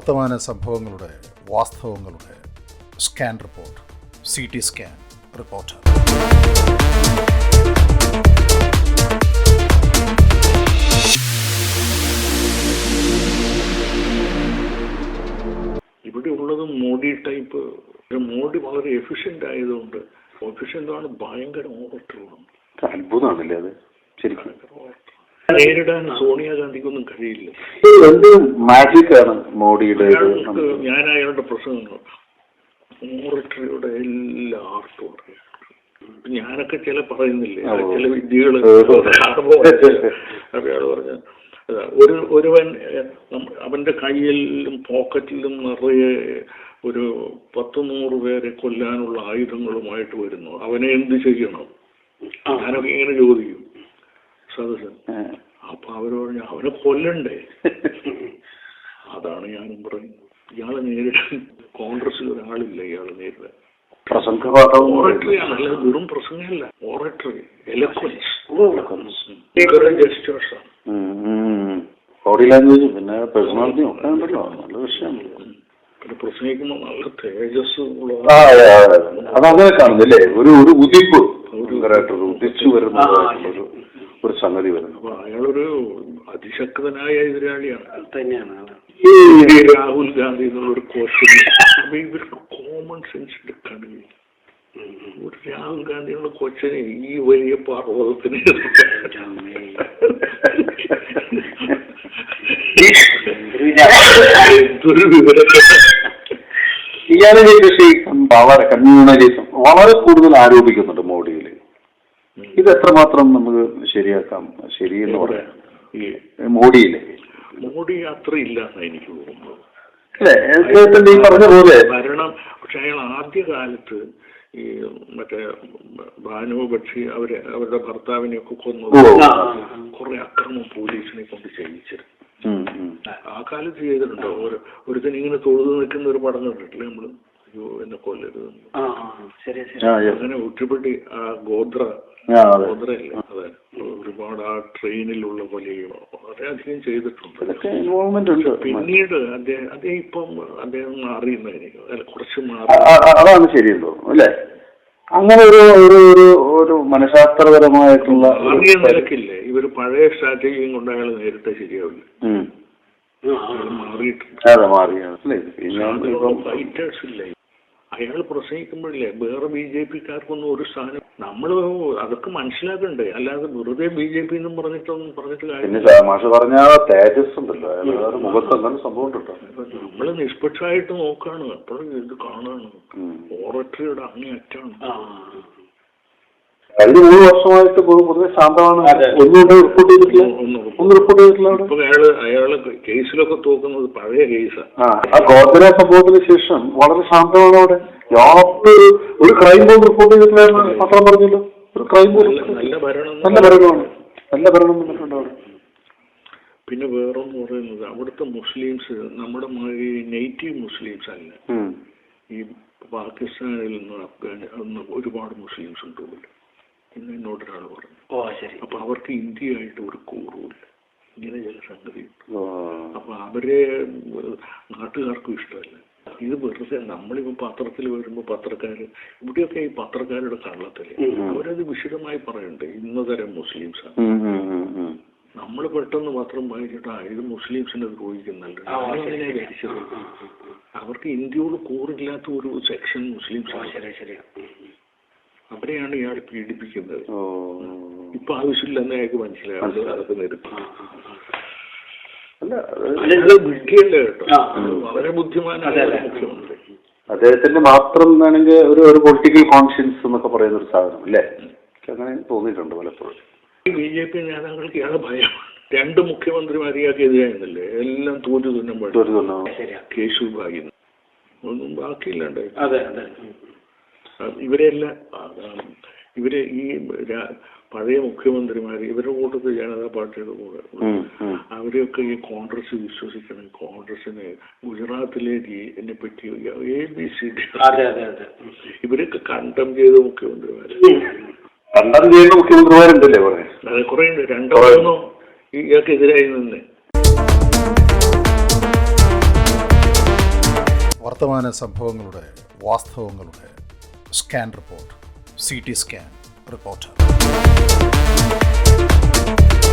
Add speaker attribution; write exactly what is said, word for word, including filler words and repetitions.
Speaker 1: വർത്തമാന സംഭവങ്ങളുടെ വാസ്തവങ്ങളുടെ scan report, C T scan reporter.
Speaker 2: ഇവിടെ ഉള്ളത് മോഡി ടൈപ്പ്. മോഡി വളരെ എഫിഷ്യന്റ് ആയതുകൊണ്ട് എഫിഷ്യന്റാണ്, ഭയങ്കര ഓവർട്ടറുമാണ്.
Speaker 3: അത്ഭുതമാണല്ലേ അത് ശരിക്കും.
Speaker 2: നേരിടാൻ സോണിയാഗാന്ധിക്കൊന്നും കഴിയില്ല.
Speaker 3: മാജിക് ആണ് മോഡിയുടെ.
Speaker 2: ഞാൻ അയാളുടെ പ്രസംഗങ്ങൾ ഓറട്ടറിയുടെ എല്ലാ ആർട്ടും അറിയാം. ഞാനൊക്കെ ചില പറയുന്നില്ലേ, ചില വിദ്യകള് അയാള് പറഞ്ഞ ഒരു ഒരുവൻ അവന്റെ കയ്യിലും പോക്കറ്റിലും നിറയെ ഒരു പത്ത് നൂറ് പേരെ കൊല്ലാനുള്ള ആയുധങ്ങളുമായിട്ട് വരുന്നു, അവനെ എന്ത് ചെയ്യണം? ഞാനൊക്കെ ഇങ്ങനെ ചോദിക്കും സദസ്സൻ. അപ്പൊ അവര് പറഞ്ഞു അവനെ കൊല്ലണ്ടേ. അതാണ് ഞാനും പറയുന്നത്. ഇയാളെ നേരിടാൻ കോൺഗ്രസിൽ ഒരാളില്ല ഇയാളെ നേരിടാൻ. ഓറട്ടറിയാണ്, അല്ലാതെ വെറും പ്രസംഗമല്ല. ഓറട്ടറി, എലക്വൻസ്, ജസ്റ്റേഴ്സാണ്.
Speaker 3: ബോഡി ലാംഗ്വേജ് പിന്നെ പേഴ്സണാലിറ്റിയും ഒക്കെ ഉണ്ടല്ലോ, നല്ല വിഷയമാണ്.
Speaker 2: പിന്നെ പ്രസംഗിക്കുമ്പോൾ നല്ല തേജസ് ഉള്ള
Speaker 3: അതങ്ങനെ കാണുന്നില്ലേ, ഒരു ഒരു ഉദിപ്പ് ഉദിച്ചു വരുന്നതായിട്ടുള്ളൊരു ഒരു സംഗതി വരുന്നു.
Speaker 2: അപ്പൊ അയാളൊരു അതിശക്തനായ എതിരാളിയാണ്
Speaker 4: തന്നെയാണ്.
Speaker 2: ഈ രാഹുൽ ഗാന്ധി എന്നുള്ളൊരു ക്വസ്റ്റ്യൻ. അപ്പൊ ഇവർക്ക് കോമൺ സെൻസ് എടുക്കാൻ കഴിയും. ഒരു രാഹുൽ ഗാന്ധിയുള്ള കൊച്ചിനെ ഈ വലിയ പർവ്വതത്തിന് എന്തൊരു വിവരം.
Speaker 3: ഇയാളെ വളരെ കമ്മ്യൂണലിസം വളരെ കൂടുതൽ ആരോപിക്കുന്നുണ്ട് മോഡിയിൽ. ഇത് എത്രമാത്രം നമുക്ക് ശരിയാക്കാം, ശരിയെന്ന് പറയാം ഈ മോഡിയിലെ?
Speaker 2: മോഡി അത്ര ഇല്ലാന്ന് എനിക്ക് തോന്നുന്നത്.
Speaker 3: ഈ പറഞ്ഞ പോലെ
Speaker 2: ഭരണം. പക്ഷെ അയാൾ ആദ്യകാലത്ത് ഈ മറ്റേ ഭാനു ബക്ഷി അവരെ അവരുടെ ഭർത്താവിനെയൊക്കെ കൊന്നു കുറെ അക്രമം പോലീസിനെ കൊണ്ട് ചെയ്യിച്ചിരുന്നു. ആ കാലത്ത് ചെയ്തിട്ടുണ്ടോ? ഒരു ഒരുത്തൻ ഇങ്ങനെ തൊഴുതു നിൽക്കുന്ന ഒരു പടം കണ്ടിട്ടില്ലേ നമ്മള്? അയ്യോ എന്നെ കൊല്ലരുത്. അങ്ങനെ ഒറ്റപ്പെട്ടി ആ ഗോത്ര ഗോത്രയല്ലേ, അതെ, ഒരുപാട് ആ ട്രെയിനിലുള്ള കൊലയും വളരെയധികം ചെയ്തിട്ടുണ്ട്. പിന്നീട് അദ്ദേഹം അദ്ദേഹം ഇപ്പം അദ്ദേഹം മാറിയെന്നായിരിക്കും, അല്ല കുറച്ച് മാറി.
Speaker 3: അതാണ് ശരിയല്ലോ അല്ലേ? അങ്ങനെ ഒരു ഒരു ഒരു മനഃശാസ്ത്രപരമായിട്ടുള്ള
Speaker 2: മാറിയ നിലക്കില്ലേ ഇവര് പഴയ സ്ട്രാറ്റജിയും കൊണ്ട് അയാൾ നേരിട്ട് ശരിയാവില്ല. ഫൈറ്റേഴ്സ് ഇല്ല. അയാൾ പ്രസംഗിക്കുമ്പോഴില്ലേ വേറെ ബി ജെ പിക്കാർക്കൊന്നും ഒരു സ്ഥാനം നമ്മള് അതൊക്കെ മനസ്സിലാക്കണ്ടേ, അല്ലാതെ വെറുതെ ബി ജെ പി എന്നും പറഞ്ഞിട്ടൊന്നും പറഞ്ഞിട്ട് കാര്യം. നമ്മള് നിഷ്പക്ഷമായിട്ട് നോക്കാണ്, അപ്പോഴും ഇത് കാണാണ്. ഓറട്ടറിയുടെ അങ്ങേയറ്റാണ്.
Speaker 3: കഴിഞ്ഞ മൂന്ന് വർഷമായിട്ട് പൊതുവെ ശാന്തമാണ്. ഒന്നും റിപ്പോർട്ട് ചെയ്തിട്ടില്ല, ഒന്നും റിപ്പോർട്ട് ചെയ്തിട്ടില്ല.
Speaker 2: ഇപ്പൊ അയാള് അയാള് കേസിലൊക്കെ തോക്കുന്നത് പഴയ കേസാണ്.
Speaker 3: ആ ഗോത്ര സംഭവത്തിന് ശേഷം വളരെ ശാന്തമാണ് അവിടെ. യാതൊരു ഒരു ക്രൈം ബോംബ് റിപ്പോർട്ട് ചെയ്തിട്ടില്ലായിരുന്നു പത്രം പറഞ്ഞല്ലോ. ഒരു ക്രൈം ബോംബ് നല്ല ഭരണം നല്ല ഭരണമാണ് നല്ല ഭരണം വന്നിട്ടുണ്ട് അവിടെ.
Speaker 2: പിന്നെ വേറൊന്ന് പറയുന്നത് അവിടുത്തെ മുസ്ലിംസ് നമ്മുടെ മാതിരി നേറ്റീവ് മുസ്ലിംസ് അല്ല. ഈ പാകിസ്ഥാനിൽ നിന്ന് അഫ്ഗാനി ഒരുപാട് മുസ്ലിംസ് ഉണ്ട് പോലും ഇന്ന് എന്നോടൊരാൾ പറഞ്ഞു. അപ്പൊ അവർക്ക് ഇന്ത്യയായിട്ട് ഒരു കൂറുമില്ല. ഇങ്ങനെ ചില സംഗതിയുണ്ട്. അപ്പൊ അവരെ നാട്ടുകാർക്കും ഇഷ്ടമല്ല. ഇത് വെറുതെ നമ്മളിപ്പോ പത്രത്തിൽ വരുമ്പോ പത്രക്കാര് ഇവിടെയൊക്കെ ഈ പത്രക്കാരുടെ കള്ളത്തില് അവരത് വിശദമായി പറയണ്ടേ ഇന്ന തരം മുസ്ലിംസാണ്. നമ്മൾ പെട്ടെന്ന് പത്രം വായിച്ചിട്ട് ഇത് മുസ്ലിംസിനെ ദ്രോഹിക്കുന്നല്ലോ. ഞാനിങ്ങനെ ധരിച്ചത് അവർക്ക് ഇന്ത്യയോട് കൂറില്ലാത്ത ഒരു സെക്ഷൻ മുസ്ലിംസ്. അവരെയാണ് ഇയാൾ പീഡിപ്പിക്കുന്നത്. ഇപ്പൊ ആവശ്യമില്ലെന്ന് അയാൾക്ക് മനസ്സിലാവും. അതൊക്കെ നിർത്തി വിഡ്ഢിയല്ലേ കേട്ടോ, വളരെ ബുദ്ധിമാനായ മുഖ്യമന്ത്രി.
Speaker 3: അദ്ദേഹത്തിന്റെ മാത്രം വേണമെങ്കിൽ ഒരു ഒരു പൊളിറ്റിക്കൽ കോൺഷ്യൻസ് എന്നൊക്കെ പറയുന്ന ഒരു സാധനം അല്ലേ, അങ്ങനെ തോന്നിയിട്ടുണ്ട് പലപ്പോഴും.
Speaker 2: ബി ജെ പി നേതാക്കൾക്ക് ഇയാളെ ഭയം. രണ്ട് മുഖ്യമന്ത്രിമാർ ഇയാൾക്കെതിരായിരുന്നല്ലേ, എല്ലാം തോറ്റു തുന്നുമ്പോൾ കേശുഭായി ഒന്നും ബാക്കിയില്ലാണ്ടായി. ഇവരെല്ലാം ഇവരെ ഈ പഴയ മുഖ്യമന്ത്രിമാർ ഇവരുടെ കൂട്ടത്തിൽ ജനതാ പാർട്ടിയുടെ കൂടെ അവരെയൊക്കെ ഈ കോൺഗ്രസ് വിശ്വസിക്കണം. കോൺഗ്രസിന് ഗുജറാത്തിലെ എന്നെ പറ്റി എ ബി സി ഡി ഇവരൊക്കെ കണ്ടം ചെയ്ത മുഖ്യമന്ത്രിമാര്
Speaker 3: കണ്ടം ചെയ്ത മുഖ്യമന്ത്രിമാരുണ്ടല്ലേ കുറെ.
Speaker 2: അതെ, കുറെ ഉണ്ട്. രണ്ടോ മൂന്നോ ഇയാൾക്കെതിരായി നിന്ന്
Speaker 1: വർത്തമാന സംഭവങ്ങളുടെ വാസ്തവങ്ങളുടെ scan report, C T scan report.